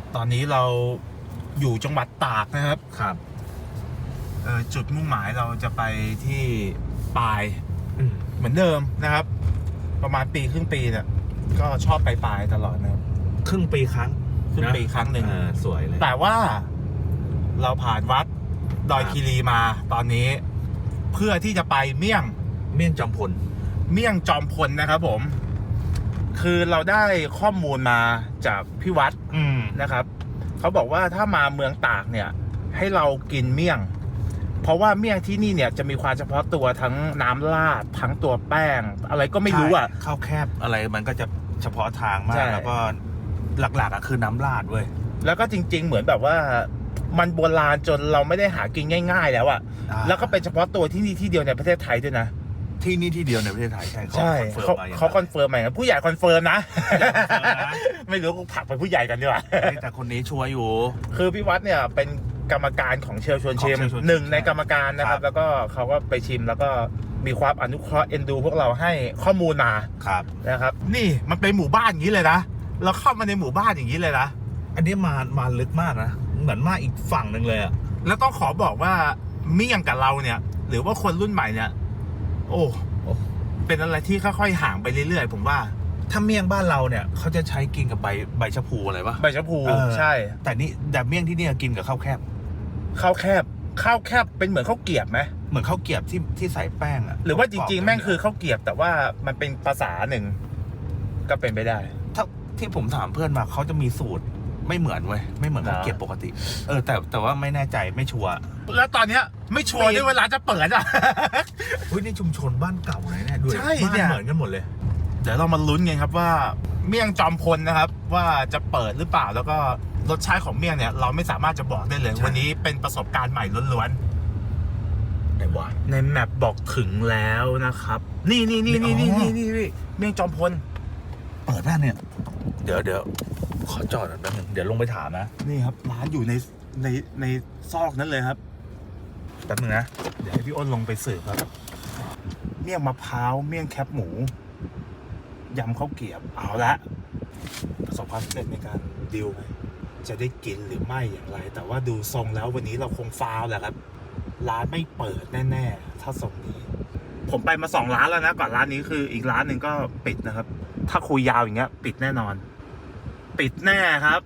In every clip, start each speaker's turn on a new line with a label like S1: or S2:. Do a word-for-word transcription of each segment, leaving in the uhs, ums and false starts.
S1: ตอนนี้เราอยู่จังหวัดตากนะครับ
S2: ครับ
S1: เออจุดมุ่งหมายเราจะไปที่ปายเหมือนเดิมนะครับประมาณปีครึ่งปีเนี่ยก็ชอบไปปายตลอดนะครับ
S2: ครึ่งปีครั้ง
S1: ครึ่งปีครั้งหนึ่ง
S2: สวยเลย
S1: แต่ว่าเราผ่านวัดดอยคีรีมาตอนนี้เพื่อที่จะไปเมี่ยง
S2: เมี่ยงจอมพล
S1: เมี่ยงจอมพลนะครับผมคือเราได้ข้อมูลมาจากพี่วัดนะครับเขาบอกว่าถ้ามาเมืองตากเนี่ยให้เรากินเมี่ยงเพราะว่าเมี่ยงที่นี่เนี่ยจะมีความเฉพาะตัวทั้งน้ำราดทั้งตัวแป้งอะไรก็ไม่รู้อ่ะ
S2: ข้าวแคบอะไรมันก็จะเฉพาะทางมากแล้วก็หลักๆอ่ะคือน้ำราดเว้ย
S1: แล้วก็จริงๆเหมือนแบบว่ามันโบราณจนเราไม่ได้หากินง่ายๆแล้วอ่ะแล้วก็เป็นเฉพาะตัวที่นี่ที่เดียวในประเทศไทยด้วยนะ
S2: ที่นี่ที่เดียวในประเทศไทยใช่
S1: ใช่เขาเขาคอนเฟิร์มไหมครับผู้ใหญ่คอนเฟิร์มนะไม่รู้กูผลักไปผู้ใหญ่กันดีกว่า
S2: แต่คนนี้ชัวร์อยู่
S1: คือพี่วัดเนี่ยเป็นกรรมการของเชลชวนชิมหนึ่งในกรรมการนะครับแล้วก็เขาก็ไปชิมแล้วก็มีความอนุเคราะห์เอ็นดูพวกเราให้ข้อมูลมา
S2: ครับ
S1: นะครับนี่มันเป็นหมู่บ้านอย่างนี้เลยนะเราเข้ามาในหมู่บ้านอย่างนี้เลยนะ
S2: อันนี้มามาลึกมากนะเหมือนมาอีกฝั่งหนึ่งเลยอะ
S1: แล้วต้องขอบอกว่าเมี่ยงกับเราเนี่ยหรือว่าคนรุ่นใหม่เนี่ยโอ้เป็นอะไรที่ค่อยๆห่างไปเรื่อยๆผมว่า
S2: ถ้าเมี่ยงบ้านเราเนี่ยเขาจะใช้กินกับใบใบชะพูอะไรปะ
S1: ใบชะพูใช่
S2: แต่นี่แต่เมี่ยงที่นี่กินกับข้าวแคบ
S1: ข้าวแคบข้าวแคบเป็นเหมือนข้าวเกรี๊ยบไหม
S2: เหมือนข้าวเกรี๊ยบที่ที่ใส่แป้งอะ
S1: หรือว่าจริงๆแม่งคือข้าวเกรี๊ยบแต่ว่ามันเป็นภาษาหนึ่งก็เป็นไปได้
S2: ถ้าที่ผมถามเพื่อนมาเขาจะมีสูตรไม่เหมือนเว้ยไม่เหมือนข้าวเกรี๊ยบปกติเออแต่แต่ว่าไม่แน่ใจไม่ชัวร์
S1: แล้วตอนเนี้ยไม่ชัวร์ด้วยเวลาจะเปิดอ่ะ
S2: เฮ้ยนี่ชุมชนบ้านเก่าเลยเนี่ยด้วยบ้านเหมือนกันหมดเลย
S1: เดี๋ยวเรามาลุ้นกันครับว่าเมี่ยงจอมพลนะครับว่าจะเปิดหรือเปล่าแล้วก็รสชาติของเมี่ยงเนี่ยเราไม่สามารถจะบอกได้เลยวันนี้เป็นประสบการณ์ใหม่ล้วน
S2: ๆไหนวะ
S1: ในแมปบอกถึงแล้วนะครับนี่นี่นี่นี่นี่นี่นี่เมี่ยงจอมพล
S2: เปิดบ้านเนี่ยเดี๋ยวเดี๋ยวขอจอดแป๊บนึงเดี๋ยวลงไปถามนะ
S1: นี่ครับร้านอยู่ในในในซอกนั้นเลยครับแป๊บนึงนะเดี๋ยวให้พี่อ้นลงไปสืบครับเมี่ยงมะพร้าวเมี่ยงแคบหมูยำข้าวเกรี๊ยบเอาละประสบความสำเร็จในการดิวจะได้กินหรือไม่อย่างไรแต่ว่าดูทรงแล้ววันนี้เราคงฟาวแหละครับร้านไม่เปิดแน่ๆถ้าทรงนี้ผมไปมาสองร้านแล้วนะก่อนร้านนี้คืออีกร้านหนึ่งก็ปิดนะครับถ้าคุยยาวอย่างเงี้ยปิดแน่นอนปิดแน่ครับ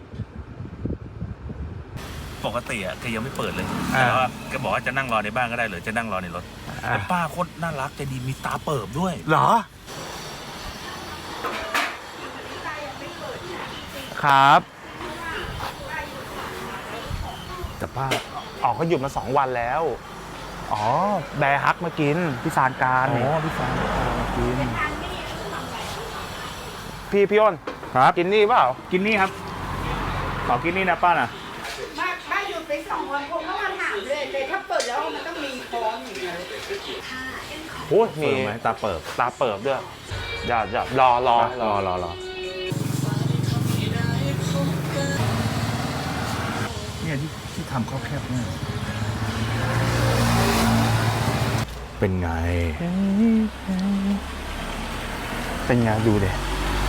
S2: ปกติอ่ะแกยังไม่เปิดเลยแต่ว่าแกบอกว่าจะนั่งรอในบ้านก็ได้หรือจะนั่งรอในรถแต่ป้าโคตรน่ารักใจดีมีตาเปิบด้วย
S1: เหรอครับ
S2: แต่ป้า
S1: ออกเขาหยุดมาสองวันแล้วอ๋อแบร์ฮักมากินพี่ซานการ
S2: อ๋อพี่ซานการมากิน
S1: พี่พี่อ้นครับกินนี่เปล่า
S2: กินนี่ครับขอกินนี่นะป้าน่ะ
S3: บ้าบ้าหยุดไปสองวันผมก็มาถามเลยเลยถ้าเปิดแล้วมันต้องมีพร้อมอย่างเงี้ย
S1: โอ้ยมี
S2: ไหมตาเปิบ
S1: ตาเปิบด้วยอย่าอย่ารอรอ
S2: รอรอรอเนี่ยที่ที่ทำข้าวแคบเนี่ยเป็นไง
S1: เป็นไงดูดิ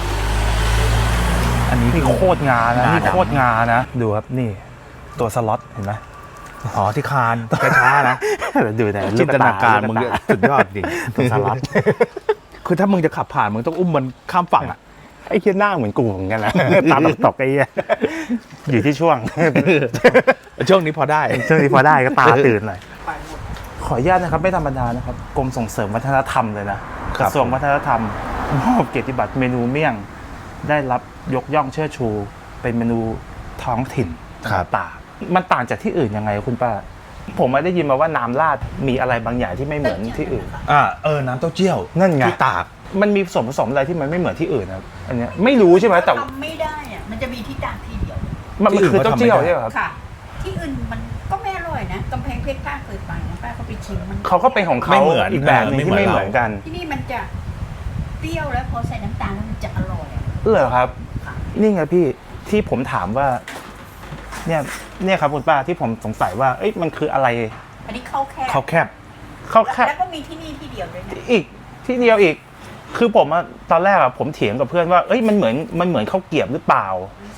S1: อันนี้นี่โคตรงานะนี่โคตรงานะดูครับนี่ตัวสล็อตเห็นไหม
S2: อ๋อที่คานช้าๆนะ
S1: ดูแต่
S2: จินตนาการมึงสุดยอดจริง
S1: ตัวสล็อต
S2: คือถ้ามึงจะขับผ่านมึงต้องอุ้มมันข้ามฝั่งอ่ะ
S1: ไอ้เคี้ยหน้าเหมือนกูเหมือนกันนะตาตกๆไอ้เหี้ยอยู่ที่ช่วง
S2: ช่วงนี้พอได้
S1: ช่วงนี้พอได้ก็ตาตื่นหน่อยขออนุญาตนะครับไม่ธรรมดานะครับกรมส่งเสริมวัฒนธรรมเลยนะกระทรวงวัฒนธรรมมอบเกียรติบัตรเมนูเมี่ยงได้รับยกย่องเชิดชูเป็นเมนูท้องถิ่นต่างมันต่างจากที่อื่นยังไงคุณป้าผมไม่ได้ยินมาว่าน้ำราดมีอะไรบางอย่างที่ไม่เหมือนที่อื่น
S2: อ่าเออน้ำเต้าเจี้ยว
S1: นั่นไง
S2: ที่ตาก
S1: มันมีส่วนผสมอะไรที่มันไม่เหมือนที่อื่นครับอันนี้ไม่รู้ใช่ไหมแต่
S3: ทำไม่ได้อ่ะมันจะมีที่ตากทีเดียว
S1: มันคือเต้าเจี้ยวใช่ไหมครับ
S3: ค่ะที่อื่นมันก็ไม่อร่อยนะกำแพงเพชรป้าเคยไปนะป้าก็ไปชิมมัน
S1: เขาก็เป็นของเขาอีกแบบนึงที่ไม่เหมือนกัน
S3: ที่นี่มันจะเปรี้ยวแล้วพอใส่น้ำตาลมันจะอร่อย
S1: เหรอครับนี่ไงพี่ที่ผมถามว่าเนี่ยเนี่ยครับคุณป้าที่ผมสงสัยว่าเอ้ยมันคืออะไร
S3: อันนี้ข้าวแคบ
S1: ข้าวแคบข้าวแคบ
S3: แล้วก็มีที่นี่ที่เดียวด้วยนะ
S1: อีกที่เดียวอีกคือผมตอนแรกอะผมเถียงกับเพื่อนว่าเอ้ยมันเหมือนมันเหมือนข้าวเกรี๊ยบหรือเปล่า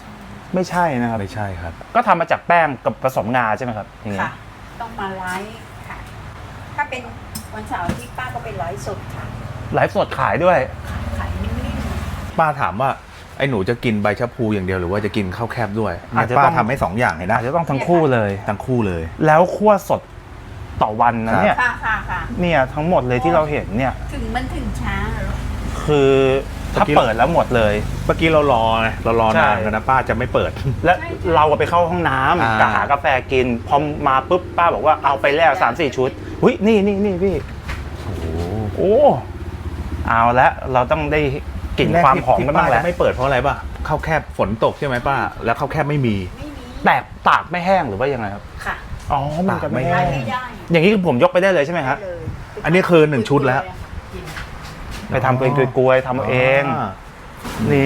S4: ไม่ใช่นะครับ
S1: ไม่ใช่ครับ
S4: ก็ทำมาจากแป้งกับผสมงาใช่ไหมครับอย่างเงี้
S3: ค่ะ
S4: ย
S3: ต้องมาไลฟ์ค่ะ ถ้าเป็นวันเสาร์อาที่ป้าก็ไปไลฟ์สดค่ะ
S4: ไลฟ์สดขายด้วย
S3: ขายนิ่ม
S1: ป้าถามว่าไอ้หนูจะกินใบชะพูอย่างเดียวหรือว่าจะกินข้าวแคบด้วย
S4: อาจจะ
S1: ป้า
S4: ต้อง
S1: ทำให้สองอย่างเลยนะ
S4: อาจจะต้องทั้งคู่เลย
S1: ทั้งคู่เลย
S4: แล้วคั่วสดต่อวันนะเนี่ย
S3: ๆค่ะค่ะค่ะ
S4: เนี่ยทั้งหมดเลยที่เราเห็นเนี่ย
S3: ถึงมันถึงช้าเหรอ
S4: คือถ้า
S1: เมื่อกี้
S4: เปิดแล้วหมดเลย
S1: เมื่อกี้เรารอไงเรารอ
S4: ใช่
S1: นานแล้วนะป้าจะไม่เปิด
S4: และเราก็ไปเข้าห้องน้
S1: อ่า
S4: ำกะหากาแฟกิน พอมาปุ๊บป้าบอกว่าเอาไปแล้วสามสี่ชุดหุ้ยนี่นี่นี่พี่
S1: โอ้โห
S4: โอ้เอาละเราต้องได้กลิ่นความหอมกันบ้าง
S1: ที่
S4: แล้
S1: ป้
S4: ว
S1: จะไม่เปิดเพราะอะไรป่ะข้าวแคบฝนตกใช่ไหมป้า แล้วข้าวแคบไม่มี
S3: ไม่มี
S4: แตกตากไม่แห้งหรือว่ายังไงครับ
S3: ค่ะ
S4: อ๋อมันจะไม่
S1: ตากไม่
S4: แห้
S3: ได้
S4: ง
S3: ไม่ได้
S4: อย่างนี้ผมยกไปได้เลยใช่ไหมครับ
S3: ได้เลย
S1: อันนี้คือหนึ่งชุดแล้ว
S3: กิน
S4: ไปทำเป็นกลวยๆทำเอาเอง
S1: า
S4: นี่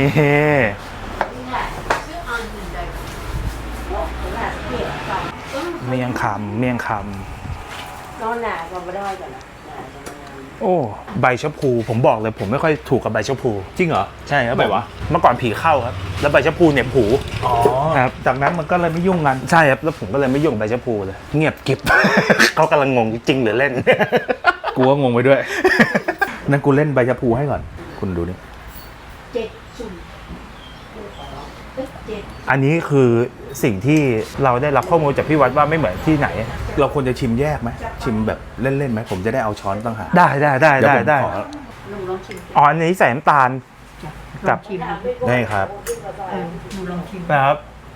S4: เมียงคำเมียงค
S3: นอนหนาก็ไม่ได้กันนะหนาจะมา
S4: ำโอ้ใบชะพูผมบอกเลยผมไม่ค่อยถูกกับใบชะพู
S1: จริงเหรอ
S4: ใช่ครับ
S1: ทำไมวะ
S4: เมื่อก่อนผีเข้าครับ แล้วใบชะพูเหน็บหู
S1: อ๋อ
S4: ครับ
S1: จากนั้นมันก็เลยไม่ยุ่งกัน
S4: ใช่ครับแล้วผมก็เลยไม่ยุ่งกับใบชะพูเลย เงียบกริบ เขากำลังงงจริงหรือเล่น
S1: กูก็งงไปด้วย นั่นกูเล่นใบชะพูให้ก่อน คุณดูนี่
S3: เจ็ดสุ่มเอ้ยเจ็ด
S4: อันนี้คือสิ่งที่เราได้รับข้อมูลจากพี่วัดว่าไม่เหมือนที่ไหน
S1: เราควรจะชิมแยกไหมชิมแบบเล่นๆไหมผมจะได้เอาช้อนต่างหาก
S4: ได้ได้ได้
S1: เดี๋ยว
S4: ได้
S1: ผม
S4: ได้
S1: ขอ
S3: หนูลองชิม
S4: อ๋ออันนี้ใส่น้ำตาล กับ
S3: ลองชิม
S1: ได้ครับ
S3: เออหนูลองชิม
S4: นะครับ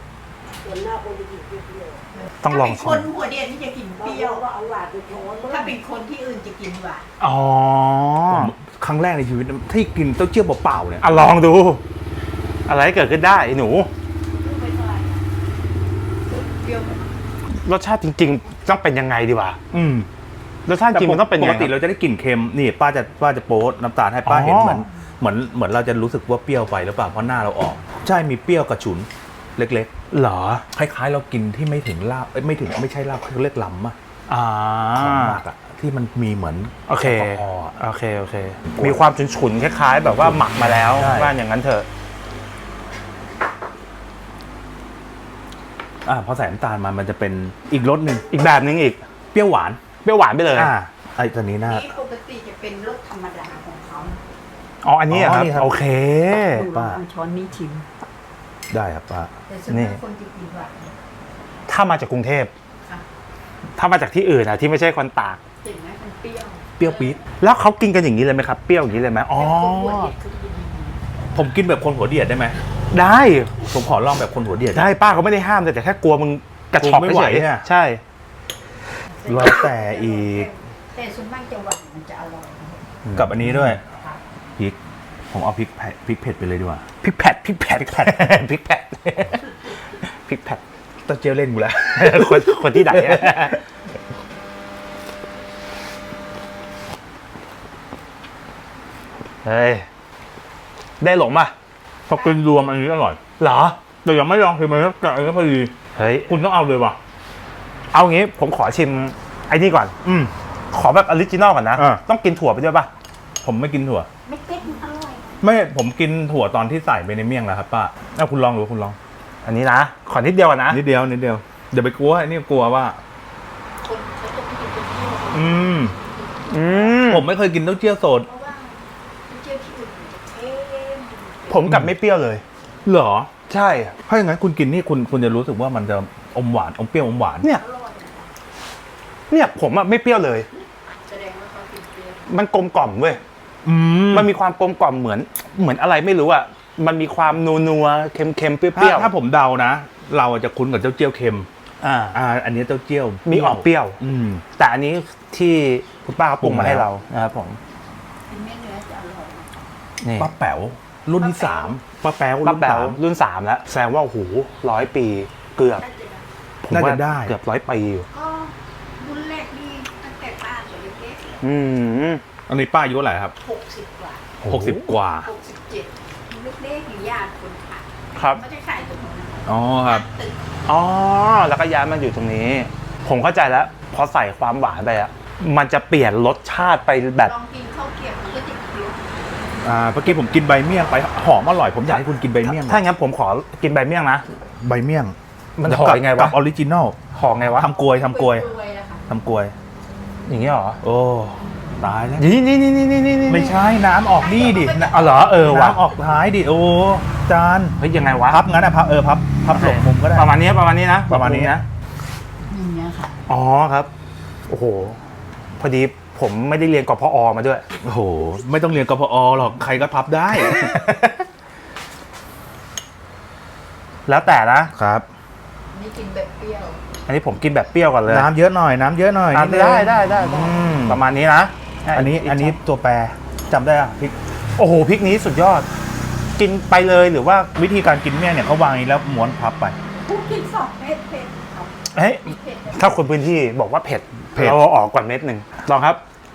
S4: ต้องลอง
S3: ถ้าเป็น
S4: ชิ
S3: คน
S4: ม
S3: หัวเดียนที่จะกินเปรี้ยวถ้าเป็นคนที่อื่นจะกินหวาน
S4: อ๋อ
S1: ผมครั้งแรกในชีวิตที่กินเต้าเจี้ยวเปล่าๆเนี่ย
S4: อ่ะลองดู อะไรเกิดขึ้นได้ไอ้หนู
S3: เปรี้ยวไหม
S4: รสชาติจริงๆ ต้องเป็นยังไงดีวะ
S1: อืม
S4: รสชาติจริงมันต้องเป็น
S1: ป
S4: ยัง
S1: ก
S4: ไง
S1: ติเราจะได้กลิ่นเค็มนี่ป้าจะป้าจะโป๊ดน้ำตาลให้ป้า
S4: อ๋อ
S1: เห็นเหมือนเหมือนเหมือนเราจะรู้สึกว่าเปรี้ยวไปหรือเปล่าเพราะหน้าเราออก ใช่มีเปรี้ยวกับฉุนเล็ก
S4: เหรอ
S1: ๆคล้ายๆ เรากินที่ไม่ถึงลาบเอ้ยไม่ถึงไม่ใช่ลาบเขาเรียกลำอะ
S4: อ่า
S1: ของหมักอะที่มันมีเหมือน
S4: โอเค
S1: แอลกอฮอล์อะ
S4: โอเค โอเค มีความฉุนๆ คล้ายๆ แบบว่าหมักมาแล้ว
S1: ใช่
S4: ว่าอย่างนั้นเถอะ
S1: อ่าพอใส่น้ำตาลมามันจะเป็นอีกรสหนึ่ง
S4: อีกแบบนึงอีก
S1: เปรี้ยวหวาน
S4: เปรี้ยวหวานไปเลย
S1: อ่าไอ้ตัวนี้น่า
S3: นี่ปกติจะเป็นรสธรรมดาของเขา
S4: อ๋อ อันนี้เหรอครับ
S1: อ๋อนี่ครับ
S4: โอเค
S3: หนูลองเอาช้อนนี้ชิม
S1: ได้ครับป้า
S3: แต่ส่วน
S4: นี่
S3: มากคนจะกินหวาน
S4: ถ้ามาจากกรุงเทพ
S3: ค่ะ
S4: ถ้ามาจากที่อื่นนะที่ไม่ใช่คนตาก
S3: เห็นไหมมันเปรี้ยว
S1: เปรี้ยวปี๊ด
S4: แล้วเขากินกันอย่างนี้เลยไหมครับ เปรี้ยวอย่างนี้เลยไหมอ๋อ
S3: แต่คนหัวเด็กเขากิน
S1: ผมกินแบบคนหัวเดียดได้ไหม
S4: ได้
S1: ผมขอลองแบบคนหัวเดียด
S4: ได้ป้าเขาไม่ได้ห้ามเลยแต่แค่กลัวมึงกระชอก
S1: กลัวไม่ไหว
S4: เฉยๆ
S1: อะ
S4: ใช่
S1: แล้วแต่อีก
S3: แต่ส่วนมากจะหวานมันจะอร่อย
S1: กับอันนี้ด้วย
S3: ค่ะ
S1: พริก ผมเอาพริกเผ็ดพริกเผ็ดไปเลยดีกว่า
S4: พริกแผดพริกแผดพริกแผดพริกแผดพริกแผด
S1: ตะเจียวเล่นกูแล้ว
S4: คนคนที่ไหนอะเฮ้ย ได้หลงป่ะ
S1: พอกินรวมอันนี้อร่อย
S4: เหรอ
S1: แต่ยังไม่ลองคือมันก็อันนี้พอดี
S4: เฮ้ย
S1: คุณต้องเอาเลยว่ะ
S4: เอางี้ผมขอชิมไอ้นี่ก่อน
S1: อืม
S4: ขอแบบออริจินอลก่อนนะ
S1: อ่า
S4: ต้องกินถั่วไปด้วยป่ะ
S1: ผมไม่กินถั่ว
S3: ไม่เต็มอร่อย
S1: ไม่ผมกินถั่วตอนที่ใส่ไปในเมี่ยงแล้วครับป้าเอาคุณลองดูคุณลอง
S4: อันนี้นะ ขอนิดเดียวก่อนนะ
S1: นิดเดียวนิดเดียวเดี๋ยวไปกลัวไอ้นี่กลัวว่า
S3: คนเขาจะไม่กินเป็นเปรี้ยว
S1: อืม
S4: อืม
S1: ผมไม่เคยกินเต้าเจี้ยวสด
S3: เพราะว่าเจียวที่อื่นมันจะเค็ม
S4: ผมกลับไม่เปรี้ยวเลย
S1: เหรอ
S4: ใช่
S1: ถ้าอย่างนั้นคุณกินนี่คุณคุณจะรู้สึกว่ามันจะอมหวานอมเปรี้ยวอมหวาน
S4: เนี่ย
S3: อร่อยนะ
S4: เนี่ยผมอะไม่เปรี้ยวเลย
S3: แสดงว่าเขากินเปรี้ยว
S4: มันกลมกล่อมเว้ย
S1: อืม
S4: มันมีความกลมกล่อมเหมือน เหมือนอะไรไม่รู้อะมันมีความนัวนัวๆเค็มเค็มๆเปรี้
S1: ถ้า
S4: ยวๆ
S1: ถ้าผมเดานะ เราจะคุ้นกับเจ้าเจี้ยวเค็ม
S4: อ่า
S1: อ่า อันนี้เจ้าเจี้ยว
S4: มีออกเปรี้ยว
S1: อืม
S4: แต่อันนี้ที่คุณป้าเขาปรุงมาให้เรานะครับผม
S3: กินไม่เนื้อจะอร่อย
S4: นี่
S1: ป้าแป๋วรุ่นที่สามป้าแป๋ว
S4: ป้า
S1: รุ่น
S4: แป๋ว
S1: สาม
S4: รุ่นสามแล้วแสดงว่าโอ้โหร้อยปีเกือบ
S3: น่าจะได้
S4: ผมว่า
S1: น่าจะได้
S4: เกือบร้อยปีอยู่
S3: ก็รุ่นแรกนี่ตั้งแต่ป้าตัวเล็ก
S4: อืม
S1: อันนี้ป้าอายุเท่าไหร่ครับ
S3: ๆหกสิบกว่า
S1: หกสิบกว่า
S3: หกสิบเจ็ดเล็กๆอยู่ญาติคนขาย
S4: ครับ
S3: เขาจะขายตรงนั้น
S1: อ๋อครับ
S3: ตึก
S4: อ๋อแล้วก็ย้ายมาอยู่ตรงนี้ ผมเข้าใจแล้วพอใส่ความหวานไปอะมันจะเปลี่ยนรสชาติไปแบบ
S3: ลองกินข้าวเกรี๊ยวมันก็จะเคี้ยว
S1: ออ่าเมื่อกี้ผมกินใบเมี่ยงไปหอมอร่อยผมอยากให้คุณกินใบเมี่ยง
S4: ถ้างั้นผมขอกินใบเมี่ยงนะ
S1: ใบเมี่ยง
S4: มันห่อยังไงวะ
S1: กับออริจินอล
S4: ห่อไงวะ
S1: ทำกลวยทำกลวย
S3: รวยๆนะคะ
S1: ทำกลวย
S4: อย่างนี้เหรอ
S1: โอ้ตายแล้ว
S4: นี่นี่นี่นี่นี่นี่
S1: ไม่ใช่น้ำออกนี่ดิ
S4: อ๋อเหรอเออว่ะ
S1: น้ำออกท้ายดิโอ้จาน
S4: เฮ้ยยังไงวะ
S1: พับงั้นนะพับเออพับพับหลบมุมก็ได้
S4: ประมาณนี้ประมาณนี้นะ
S1: ประมาณนี้นะ
S3: อย่างเงี้ยค่ะ
S4: อ๋อครับ โอ้โห พอดีผมไม่ได้เรียนกพอมาด้วย
S1: โอ้โหไม่ต้องเรียนกพอหรอกใครก็พับได้
S4: แล้วแต่นะ
S1: ครับ
S3: นี่กินแบบเปรี้ยว
S4: อันนี้ผมกินแบบเปรี้ยวก่อนเลย
S1: น้ำเยอะหน่อยน้ำเยอะหน่อย
S4: อ่ะ
S1: นินึง
S4: ได้ได้ได้ได้
S1: อืม
S4: ประมาณนี้นะ
S1: อันนี้อันนี้ตัวแปรจำได้อะพริก
S4: โอ้โหพริกนี้สุดยอด กินไปเลยหรือว่า
S1: วิธีการกินเมี่ยงเนี่ยเขาวางอย่างนี้แล้วม้วนพับไป
S3: ผู้กินสองเม็ดเผ็ดครับ
S4: เฮ้ย
S3: เผ็ด
S4: ถ้าคนพื้นที่บอกว่าเผ็ด
S1: เผ็ด
S4: เราเอาออกก่อนเม็ดหนึ่งลองครับ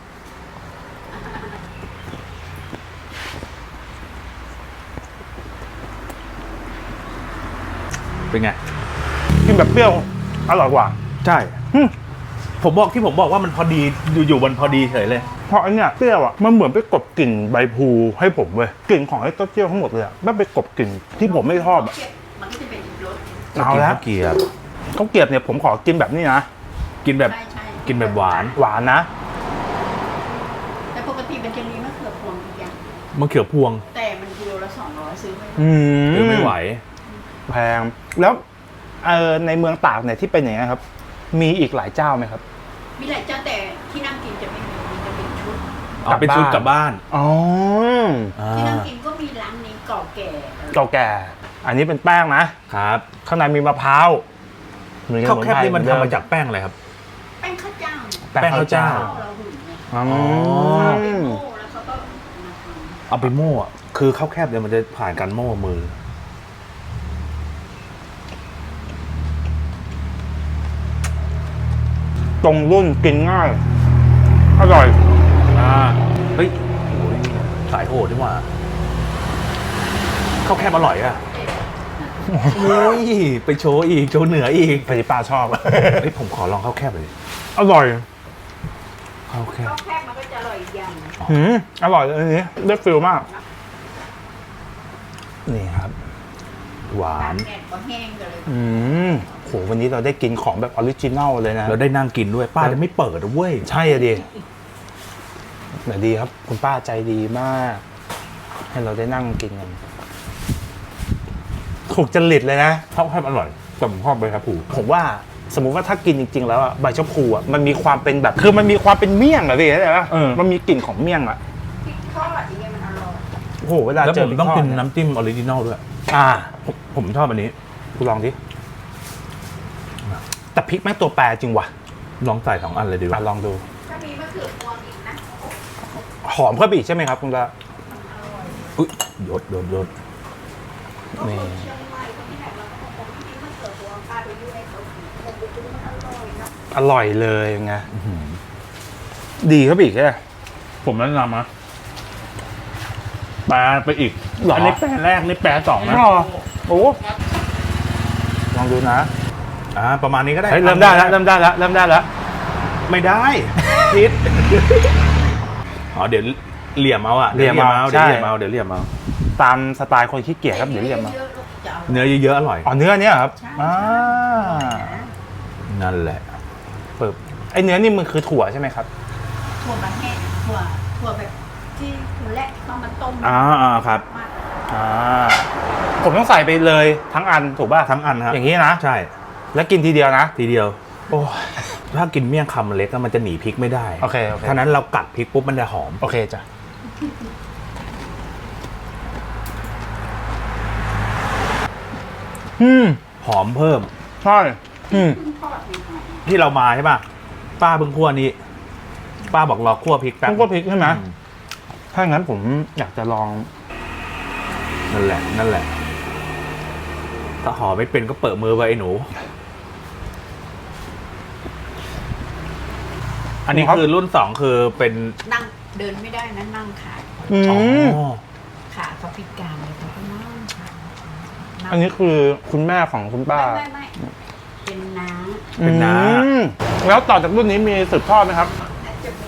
S1: เป็นไง
S4: กินแบบเปรี้ยวอร่อยกว่า
S1: ใช่
S4: หึ
S1: ผมบอกที่ผมบอกว่ามันพอดีอยู่ๆมันพอดีเฉยเลย
S4: เพราะอันเนี้ยเปรี้ยวอ่ะมันเหมือนไปกลบกลิ่นใบพลูให้ผมเว้ยกลิ่นของไอ้เต้าเจี้ยวทั้งหมดเลยอ่ะไม่ไปกลบกลิ่นที่ผมไม่ชอบอ่ะ
S3: เผ็ดมันก็จะเป็นอีกรส
S4: เอาละ
S1: ข้าวเกรียบ
S4: ข้าวเกรียบเนี่ยผมขอกินแบบนี้นะ
S1: กินแบบ
S3: ใช่ใช่
S1: กินแบบหวาน
S4: หวานนะ
S3: แต่ปกติมันจะมีมะเขือพวงอีกอย่าง
S1: มะเขือพวง
S3: แต่มันกิโลละสองร้อยซื้อไม่ได้
S4: อื
S1: หรือไม่ไหว
S4: แพงแล้วเออในเมืองตากเนี่ยที่เป็นอย่างนี้ยครับ มีอีกหลายเจ้าไหมครับ
S3: มีหลายเจ้าแต่ที่นั่งกินจะไม่มีมันจะเป็นชุด
S1: เอาเป็นชุดกลับบ้าน
S4: อ๋อ
S3: ที่นั่งกินก็มีร้านนี้เก่าแก่
S4: เก่าแก่ อันนี้เป็นแป้งนะ
S1: ครับ
S4: ข้างในมีมะพร้าวเหมือนกับ
S1: ข้าวแคบนี่มัน
S4: เหอ
S1: ทำ
S4: เดิ
S1: มาจากแป้งอะไรครับ
S3: แป้งข้าวเจ้าเนี่ย
S1: แป้งข้าวเจ้า
S3: เราหุ่นเนี่ย
S4: อ๋อ
S3: เอาไปโม่แล้วเขาก็มาทำ
S1: เอาไปโม่อะคือข้าวแคบเนี่ยมันจะผ่านการโม่มือ
S4: ตรงรุ่นกินง่าย อร่อย
S1: อ่า เฮ้ยโอ้ยสายโหดดีกว่าข้าวแคบอร่อยอะโอ้ยไปโชว์อีก โชว์เหนืออีก
S4: พอดีป้าชอบ
S1: เฮ้ยผมขอลองข้าวแคบเลย
S4: อร่อย
S1: ข้าวแคบ
S3: ข้าวแคบมันก็จะอร่อยอีกอย่าง
S4: หืมอร่อยเลยอันนี้ได้ฟิลมาก นี่ครับ
S1: หวา
S3: ตาก
S1: น
S3: แดดก็แห้งกันเลย
S4: อืมโหวันนี้เราได้กินของแบบออริจินัลเลยนะ
S1: แล้วได้นั่งกินด้วยป้าจะไม่เปิดนะเว้ย
S4: ใช่อะดิแต่ดีครับ คุณป้าใจดีมาก ให้เราได้นั่งกินกันถูกจริตเลยนะ
S1: ข้าวแคบอร่อยแต่ผมชอบใบชะพู
S4: ผมว่าสมมุติว่าถ้ากินจริง ๆ แล้วอะใบชะพูอะมันมีความเป็นแบบ คือมันมีความเป็นเมี่ยงอะพี่เข้าใจปะ
S1: เออ
S4: มันมีกลิ่นของเมี่ยงอะ
S3: พริกทอดอย่างเงี้ยมันอร่อย
S4: โอ้โหเวลา
S1: แล้ว
S4: เจ
S1: ผ
S4: อ
S1: ม
S4: พริก
S1: ต้อง
S4: ทอด
S1: กิน
S4: เย
S1: น้ำจิ้มออริจินอลด้วย
S4: อ่า
S1: ผมผมชอบอันนี้
S4: คุณลองดิแต่พริกแม่งตัวแปรจริงว่ะ
S1: ลองใส่สองอันเลยดีก
S4: อ่ะ
S1: ว่า
S4: ลองดู
S3: ถ้ามีมะเขือพวงอีกนะ
S4: หอมเข้าไปอีกใช่ไหมครับคุณตา
S1: อุ๊ยยดยดยด
S3: ก็คนเชียงใหม่คนที่ไหนเราก็คงไม่มีมะเขือพวงป้าไปยุ่งให้เขากินคงไปดูมันอร่อยนะ
S4: อร่อยเลยไง
S1: อื้อหือ
S4: ดีเข้าไปอีกใช่ไหม
S1: ผมแนะนำนะแปลไปอีก
S4: หรออั
S1: อันนี้แปลแรกนี่แปลสองนะ
S4: อ๋อโอ้ลองดูนะ
S1: อ่าประมาณนี้ก็ได้
S4: เฮ้ยเริ่มได้แล้วเริ่มได้แล้วเริ่มได้แล้ว
S1: ไม่ได้พิษอ๋อเดี๋ยวเหลี่ยมเอาอะ
S4: เหลี่ยมเอา
S1: เดี๋ยวเหลี่ยม
S4: ใช่
S1: เอาเดี๋ยวเหลี่ยมเอา
S4: ตามสไตล์คนขี้เกียจครับเดี๋ยวเรียกมา
S3: เยอะๆลูกจะเอา
S1: เนื้อเยอะๆอร่อย
S4: อ๋อเนื้อเนี้ยครับ
S3: ใช่
S4: อ่า
S1: นั่นแหละ
S4: ปึ๊บไอเนื้อนี่มันคือถั่วใช่ไหมครับ
S3: ถั่วมันแห้งถั่วถั่วแบบที่ถั่วแรกต้องมาต้ม
S1: อ่าอ่าครับ
S3: มาก
S4: อ่าผมต้องใส่ไปเลยทั้งอันถูกป่ะ
S1: ทั้งอันครับ
S4: อย่างนี้นะ
S1: ใช่
S4: แล้วกินทีเดียวนะ
S1: ทีเดียว
S4: โอ้ย
S1: ถ้ากินเมี่ยงคำเล็กอะมันจะหนีพริกไม่ได้
S4: โอเคโอเค
S1: ฉะนั้นเรากัดพริกปุ๊บมันจะหอม
S4: โอเคจ้ะอืม
S1: หอมเพิ่ม
S4: ใช่อืม
S3: เพิ่งทอดใหม่
S1: ที่เรามาใช่ป่ะป้าเพิ่งคั่วนี้ ป้าบอกรอคั่วพริกแป๊บ
S4: ต้องก็พริกใช่ไหม
S1: อืม
S4: ถ้างั้นผมอยากจะลอง
S1: นั่นแหละ นั่นแหละ ถ้าห่อไม่เป็นก็เปิดมือไปไอ้หนู อันนี้
S4: ครับ
S1: คือรุ่นสองคือเป็น
S3: ๆนั่งเดินไม่ได้นะนั่งขา
S4: อื
S1: อ๋อ
S4: ม
S3: ขาเขาพิการเลยเขาก็นั่งขานั่ง
S4: อันนี้คือคุณแม่ของคุณป้า
S3: ไม่ไม่ไม่เป็นน้า
S1: เป็นน้า
S4: อืมแล้วต่อจากรุ่นนี้มีสืบทอดไหมครับ
S3: น่าจะเป็น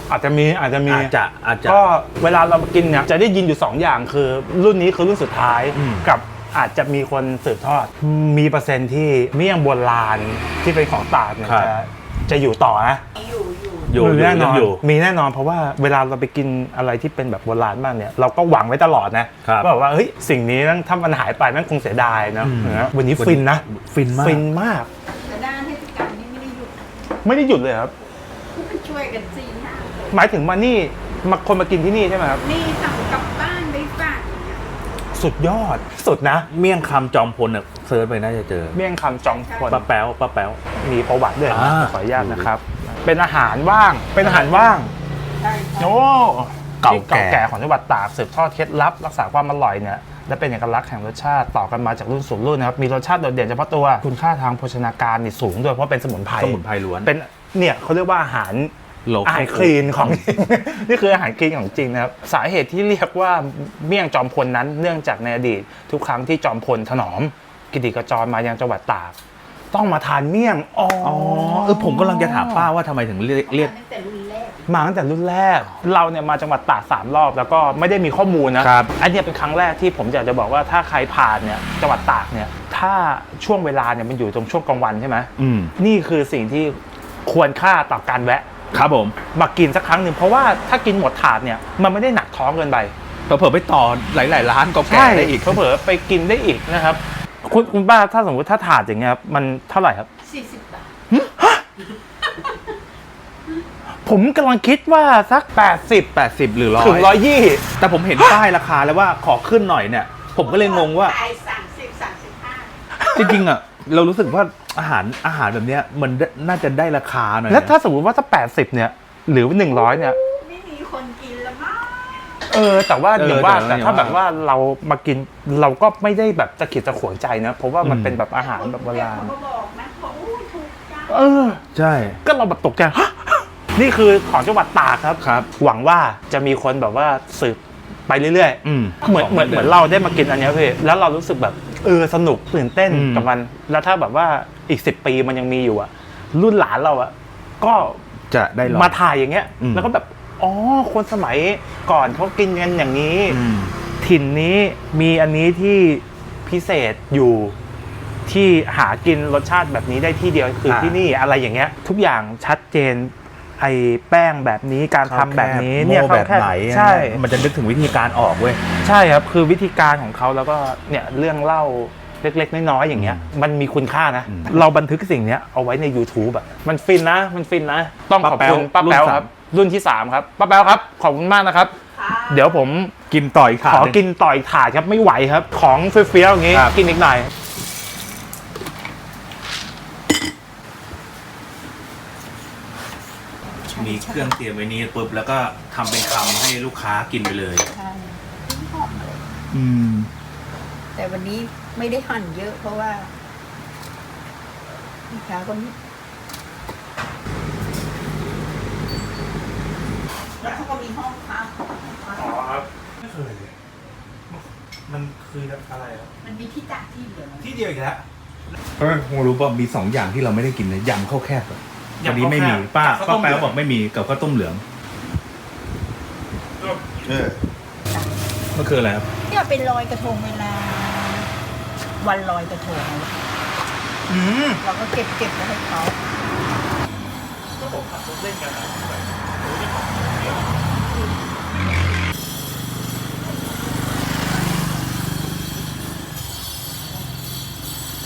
S4: อาจจะมีอาจจะมี
S2: อาจจะอาจจะ
S4: ก็เวลาเรากินเนี่ยจะได้ยินอยู่สองอย่างคือรุ่นนี้คือรุ่นสุดท้าย
S2: อืม
S4: กับอาจจะมีคนสืบทอด มีเปอร์เซ็นต์ที่เมี่ยงโบราณที่เป็นของตากเนี่ยจะจะอยู่ต่อนะ
S3: อยู่อยู่
S2: อยู่อยู่
S4: แน่น
S2: ยั
S4: อง น
S2: อยู่
S4: มีแน่นอนเพราะว่าเวลาเราไปกินอะไรที่เป็นแบบโบราณมากเนี่ยเราก็หวังไว้ตลอดนะครับ ว่าแบบว่าเฮ้ยสิ่งนี้ถ้ามันหายไปมันคงเสียดายเนอะ
S2: อืม
S4: นะวันนี้ฟินนะ
S2: ฟินมาก
S4: ฟินมาก
S3: แต่ด้านเทศกาลนี้ไม่ได้หยุด
S4: ไม่ได้หยุดเลยครับ
S3: มันช่วยกันสี่ห้าคน
S4: หมายถึงมานี่มาคนมากินที่นี่ใช่ไหมครับ
S3: นี่สั่งกลับบ้านไปฝากอย่างเงี้ย
S4: สุดยอดสุดนะ
S2: เมี่ยงคำจอมพลเนี่ยเซิร์ชไปน่าจะเจอ
S4: เมี่ยงคำจองพล
S2: ป้าแป๊วป้าแป๊ว
S4: มีประวัติด้วยนะ
S2: อ่า
S4: ขออนุญาตนะครับ เป็นอาหารว่างเป็นอาหารว่าง
S3: ใช่ใช่
S4: โอ้
S2: เก่า
S4: ที่
S2: แก่
S4: เก่าแก่ของจังหวัดตากสืบทอดเคล็ดลับรักษาความอร่อยเนี่ยและเป็นเอกลักษณ์แห่งรสชาติต่อกันมาจากรุ่นสู่รุ่นนะครับมีรสชาติโดดเด่นเฉพาะตัวคุณค่าทางโภชนาการนี่สูงด้วยเพราะเป็นสมุนไพร
S2: สมุนไพรล้วน
S4: เป็นเนี่ยเขาเรียกว่าอาหาร
S2: โล
S4: อาหารคลีนของ นี่คืออาหารคลีนของจริงนะครับสาเหตุที่เรียกว่าเมี่ยงจอมพลนั้นเนื่องจากในอดีตทุกครั้งที่จอมพลถนอมกิติกระจรมายังจังหวัดตากต้องมาทานเมี่ยงอ๋อ
S2: อ๋อเออผมกำลังจะถามป้าว่าทำไมถึงเรียกเรียก
S3: ตั้งแต่รุ่นแรก
S4: มาตั้งแต่รุ่นแรก เราเนี่ยมาจังหวัดตากสามรอบแล้วก็ไม่ได้มีข้อมูลนะครับ อันเนี้ยเป็นครั้งแรกที่ผมอยากจะบอกว่าถ้าใครผ่านเนี่ยจังหวัดตากเนี่ยถ้าช่วงเวลาเนี่ยมันอยู่ตรงช่วงกลางวันใช่ไหม
S2: อืม
S4: นี่คือสิ่งที่ควรค่าต่อการแวะ
S2: ครับผม
S4: มากินสักครั้งหนึ่งเพราะว่าถ้ากินหมดถาดเนี่ยมันไม่ได้หนักท้องเกินไป
S2: เผลอๆไปต่อหลายๆร้านก็แก่ได้อีก
S4: เผลอๆไปกินได้อีกนะครับคุณคุณป้าถ้าสมมติถ้าถาดอย่างเงี้ยครับมันเท่าไหร่ครับ
S3: สี่สิบบาท
S4: ผมกำลังคิดว่าสักแปดสิบ
S2: แปดสิบหรือร้อย
S4: ถึงร้อยยี่
S2: แต่ผมเห็นป้ายราคาแล้วว่าขอขึ้นหน่อยเนี่ย ผมก็เลยงงว่า
S3: ขายสามสิบสามสิบห้า
S2: จริงๆอ่ะเรารู้สึกว่าอาหารอาหารแบบเนี้ยมันน่าจะได้ราคาหน่อยนะ
S4: แล้วถ้าสมมติว่าถ้าแปดสิบเนี่ยหรือหนึ่งร้อยเนี่ย
S3: ไม่มีคนกินแล้วมั้ง
S4: เออแต่ว่า
S2: เออ
S4: อย่างว่า
S2: แต่
S4: แต่
S2: ว่า
S4: ถ้าแบบว่าเรามากินเราก็ไม่ได้แบบตะขิดตะขวงใจนะเพราะว่ามัน
S2: อืม
S4: เป็นแบบอาหารแบบโบราณ
S3: เขาก็บอกนะเขาอู้ถูกจัง
S4: เออ
S2: ใช่
S4: ก็เราแบบตกใจ ฮะนี่คือของจังหวัดตากครับ
S2: ครับ
S4: หวังว่าจะมีคนแบบว่าสืบไปเรื่อย
S2: อืม
S4: ๆเหมือนเหมือนเหมือนเราได้มากินอันเนี้ยพี่แล้วเรารู้สึกแบบเออสนุกตื่นเต้น
S2: อืม
S4: กับมัน แล้วถ้าแบบว่าอีกสิบปีมันยังมีอยู่อะรุ่นหลานเราอะก็
S2: จะได้ลอง
S4: มาถ่ายอย่างเงี้ย
S2: อืม
S4: แล้วก็แบบอ๋อคนสมัยก่อนเขากินกันอย่างนี้
S2: อืม
S4: ถิ่นนี้มีอันนี้ที่พิเศษอยู่ที่หากินรสชาติแบบนี้ได้ที่เดียวคือ
S2: อ่า
S4: ที่นี่อะไรอย่างเงี้ย ทุกอย่างชัดเจนไอ้แป้งแบบนี้การทำแบบนี้เนี่ย
S2: โม่แบบไหน
S4: ใช่
S2: มันจะนึกถึงวิธีการออกเว้ย
S4: ใช่ครับคือวิธีการของเขาแล้วก็เนี่ยเรื่องเล่าเล็กๆน้อยๆอย่างเงี้ยมันมีคุณค่านะ
S2: อืม
S4: เราบันทึกสิ่งเนี้ยเอาไว้ใน YouTube อะมันฟินนะมันฟินนะ ต้องขอบคุณ
S2: ป้า
S4: ป้า
S2: แป๊
S4: แป๊
S2: ว
S4: วครับรุ่นที่สามครับป้าแป๊วครับขอบคุณมากนะครับ
S3: ค่ะ
S4: เดี๋ยวผม
S2: กินต่ออีกถาด
S4: ขอ
S2: หนึ่ง
S4: กินต่อยถาดครับไม่ไหวครับ ของเฟี้ยวๆอย่างงี้
S2: ครับ
S4: กินอีกหน่อย
S2: มีเครื่องเตรียมไว้นี้ปุ๊บแล้วก็ทำเป็นคำให้ลูกค้ากินไปเลย
S3: ใช่หอมเลย
S2: อืม
S3: แต่วันนี้ไม่ได้หั่นเยอะเพราะว่าลูกค้าคนนี้แล้วเขาก็มีห้องพักของเขา
S4: อ๋อครับไม่เคยเลยมันคืออะไรครับ
S3: มันมีที่ตากที่เดียว
S4: ที่เดียวอีกแล้ว
S2: เพราะคงรู้ป่ะมีสองอย่างที่เราไม่ได้กินเลยยำข้าวแคบอะ
S4: ยำ
S2: วันนี้ไม่มี
S4: ข้าวแคบ
S2: ป้า
S4: กับข้าวต้
S2: ป้าม แป๊ว
S4: เหลือง
S2: บอกไม่มีกับข้าวต้มเหลือง
S1: เออ
S2: มันคืออะไรครับ
S3: เนี่ยเป็นลอยกระทงเวลา วันลอยกระทง
S4: อืม
S3: เราก็เก็บเก็บไว้ให้เขา
S4: ก็ผมขับรถเล่นกันนะแบบรู้ที่ของเดียว